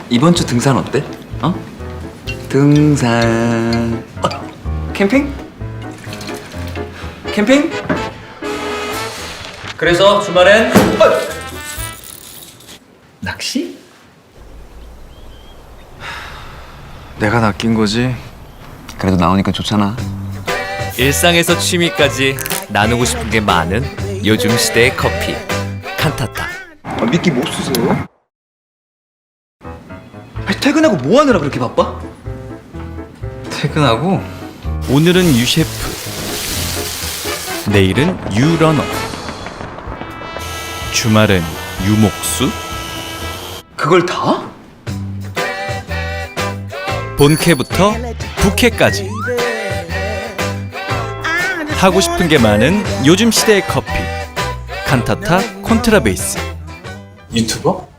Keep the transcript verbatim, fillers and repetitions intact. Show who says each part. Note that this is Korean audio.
Speaker 1: 이번 주 등산 어때? 어? 등산. 어, 캠핑? 캠핑? 그래서 주말엔 어! 낚시?
Speaker 2: 내가 낚인 거지.
Speaker 1: 그래도 나오니까 좋잖아.
Speaker 3: 일상에서 취미까지 나누고 싶은 게 많은 요즘 시대의 커피 칸타타.
Speaker 1: 아, 미끼 못 쓰세요? 아니, 퇴근하고 뭐 하느라 그렇게 바빠?
Speaker 2: 퇴근하고
Speaker 3: 오늘은 유 셰프, 내일은 유 러너, 주말은 유목수.
Speaker 1: 그걸 다?
Speaker 3: 본캐부터 부캐까지 하고 싶은 게 많은 요즘 시대의 커피 칸타타 콘트라베이스.
Speaker 2: 유튜버?